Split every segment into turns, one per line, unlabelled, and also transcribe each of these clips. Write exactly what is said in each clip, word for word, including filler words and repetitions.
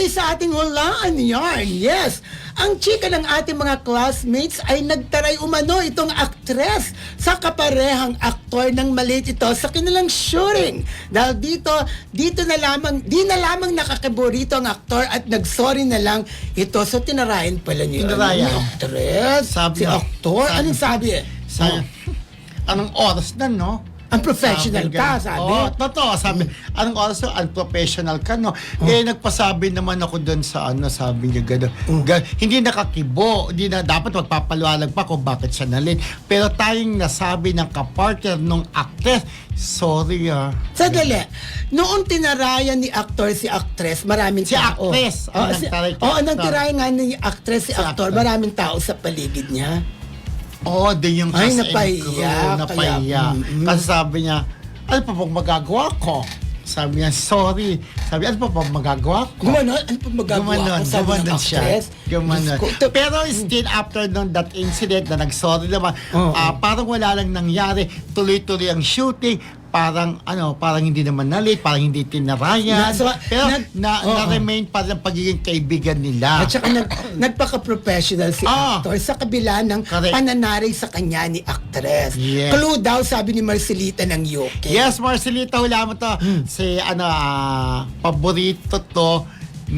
Tuloy sa ating hulaan yarn, yes. Ang chika ng ating mga classmates ay nagtaray umano itong aktres sa kaparehang aktor ng maliit ito sa kanilang shooting. Dahil dito, dito na lamang, di na lamang nakakiborito ang aktor at nagsorry na lang ito. So tinarayan pala niya.
Tinarayan.
Ano, aktres,
Sabi
si
niya,
aktor.
sabi-
Anong sabi eh?
Sabi, anong oras na, no?
Ang professional
Sabi
ka,
ganun.
sabi.
Oo, totoo. Sabi, anong oras na, unprofessional ka, no? Eh, nagpasabi naman ako doon sa ano, sabi niya gano'n. Gan- hindi nakakibo. Hindi na dapat magpapaliwanag pa kung bakit siya nalate. Pero tayong nasabi ng kapartner nung actress, sorry ah.
Sadali. Noong tinarayan ni actor si actress, maraming
Si
tao.
actress, ang
Oo, si,
nagtaray kay
oh, nang
actor.
tirayan nga ni actress si,
Si
actor,
actor.
maraming tao sa paligid niya.
Oo, oh, din yung
Ay,
cast and
napahiya,
crew,
kaya-
napahiya.
Mm-mm.
Kasi sabi niya, ano pa pong magagawa ko? Sabi niya, sorry. Sabi, ano pa pong magagawa ko?
Gumanon? Ano pa magagawa
Gumanon,
ko? Sabi ng
gumanon siya.
actress.
Gumanon.
Diyos ko, to-
Pero still after nung that incident na nag-sorry naman,
Oo.
ah, parang wala lang nangyari. Tuloy-tuloy ang shooting. Parang ano, parang hindi naman na-late, parang hindi tinarayan.
Na- so,
Pero
nag-
na,
oo.
na-remain pa rin ang pagiging kaibigan nila.
At saka nag, nagpaka-professional si
Ah.
actor sa kabila ng
Correct.
pananarig sa kanya ni actress.
Yes.
Clue daw, sabi ni Marcelita ng U K.
Yes, Marcelita, hula mo to. Si, ano, ah, paborito to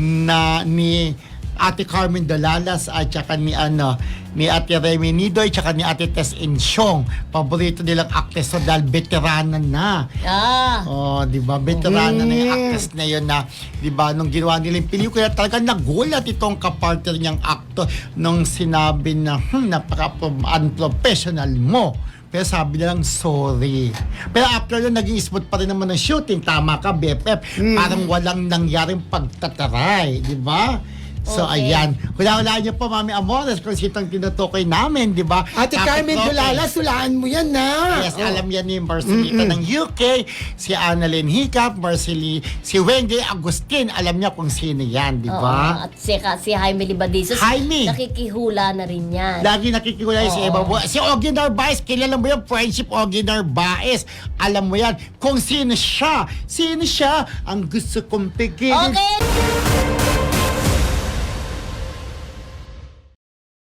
na ni Ate Carmen Dolalas at saka ni, ano, ni Ate Remy Nidoy at saka ni Ate Tess Insyong. Paborito nilang actress so dahil veterana na.
Ah.
Oh, di ba? Veterana na yung
Mm.
actress na yun na, di ba, nung ginawa nila yung pelikula, talagang nagulat itong kapartner niyang actor nung sinabi na, hmm, napaka-unprofessional mo. Pero sabi nilang sorry. Pero after yun, naging smooth pa rin naman ang shooting. Tama ka, B F F. Parang walang nangyaring pagtataray, di ba? So,
Okay.
ayan. Hula-hulaan niyo po, Mami Amores, kung sitong tinutukoy namin, di ba?
Ate
Tapos,
Carmen
okay.
Dulala, sulaan mo yan na.
Yes, alam yan ni Marcelita ng U K, si Annalyn Hiccup, Marceli, si Wendy Agustin, alam niya kung sino yan, di
Oo,
ba?
at si, si Jaime Libadisos,
Jaime!
nakikihula na rin yan.
Lagi nakikikuya si
Oo.
Eva Bu- Si Ogie Narvaez, kilala mo yan, friendship Ogie Narvaez. Alam mo yan, kung sino siya. Sino siya ang gusto kong pigilin.
Okay!